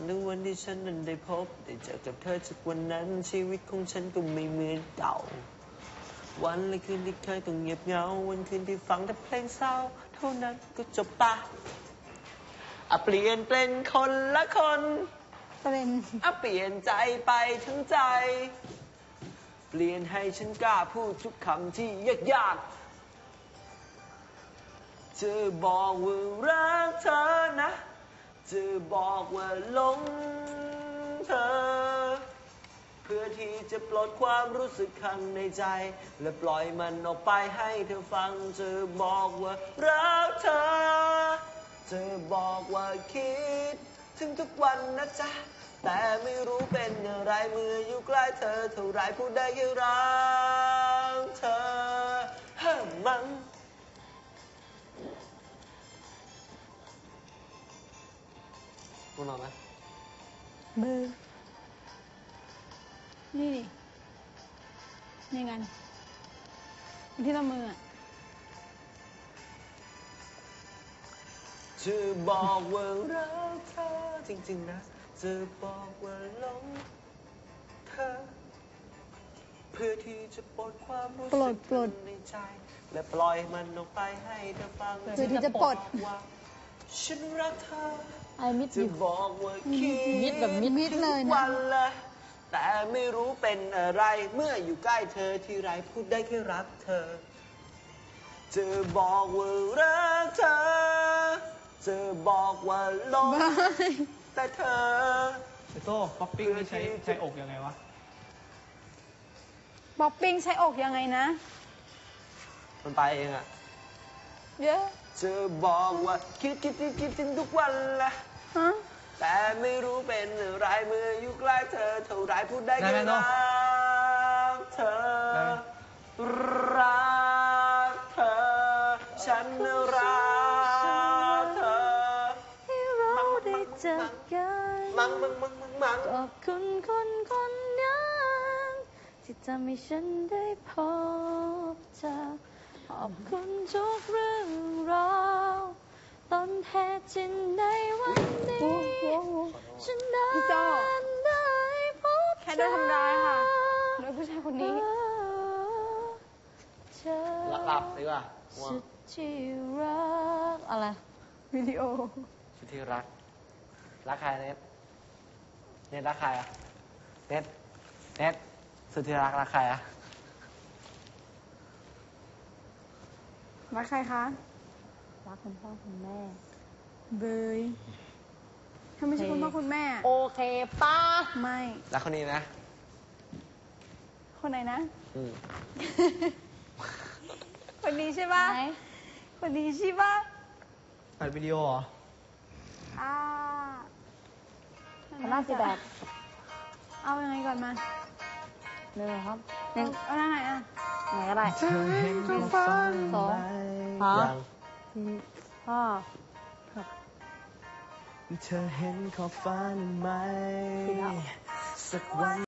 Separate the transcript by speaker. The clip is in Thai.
Speaker 1: ในวันที่ฉันนั้นได้พบได้เจอกับเธอจากวันนั้นชีวิตของฉันก็ไม่เหมือนเก่าวันและคืนที่เคยต้องเงียบเหงาวันคืนที่ฟังแต่เพลงเศร้าเท่านั้นก็จบปะเปลี่ยนเป็นคนละคนเปลี่ยนใจไปทั้งใจเปลี่ยนให้ฉันกล้าพูดทุกคำที่ยากๆจะบอกว่ารักเธอนะจะบอกว่าหลงเธอเพื่อที่จะปลดความรู้สึกข้างในใจและปล่อยมันออกไปให้เธอฟังจะบอกว่ารักเธอจะบอกว่าคิดถึงทุกวันนะจ๊ะแต่ไม่รู้เป็นอะไรเมื่ออยู่ใกล้เธอเท่าไรพูดได้แค่รักเธอมั้งพูดหน่อยไหม
Speaker 2: เบอร์นี่นี่กันที่ละมือ
Speaker 1: จะบอกว่ารักเธอจริงๆนะจะบอกว่าหลงเธอเพื่อที่จะปลดความรู้สึกในใจและปล่อยมันออกไปให้เธอฟัง
Speaker 2: เพื่อที่จะปลด
Speaker 1: ว่าฉันรักเธอ
Speaker 2: มิด
Speaker 1: จะบอกว่าคิด
Speaker 2: มิดแบบมิดเลยนะ
Speaker 1: วันละแต่ไม่รู้เป็นอะไรเมื่ออยู่ใกล้เธอที่ไรพูดได้แค่รักเธอจะบอกว่ารักเธอจะบอกว่าหลงแต่เธอ
Speaker 3: ไอ้โต้ป๊อปปิ้งนี่ใช้อกยังไงวะ
Speaker 2: ป๊อปปิ้งใช้อกยังไงนะ
Speaker 1: มันไปเองอะ
Speaker 2: เยอะ
Speaker 1: จะบอกว่าคิดถึงทุกวันละแต่ไม่รู้เป็นอะไรเมื่ออยู่ใกล้เธอเท่าไรพูดได้แค่รักเธอรักเธอฉันรักเธอ
Speaker 2: ให้เราได้เจอกัน
Speaker 1: มัง
Speaker 2: ขอบคุณคนนั้นที่ทำให้ฉันได้พบเธอขอบคุณทุกเรื่องราวต้นเหตุที่ในวันนี้ฉันได้พบแค่โดนทำร้ายค่ะโดยผู้ชายคนนี้
Speaker 1: หลับดีกว่า
Speaker 2: สุดที่รักอะไรวิดีโอ
Speaker 1: สุดที่รักใครเน็ตรักใครอะเน็ตสุดที่รักใครอะ
Speaker 2: รักใครคะรักคุณพ่อคุณแม่เบยถ้าไม่ใช่คุณพ่อคุณแม่โอเคป้าไม่
Speaker 1: รักคนนี้นะ
Speaker 2: คนไหนนะคนนี้ใช่ป่ะคนนี้ใช่ป่ะ
Speaker 3: ถ่ายวิดีโอเหรอ
Speaker 2: น่าจะแบบเอายังไงก่อนมาเลยครับเอาหน้าไหนอ่ะไหนก็ได้2
Speaker 1: เธอเห็นขอบฟ้าไหมสักวัน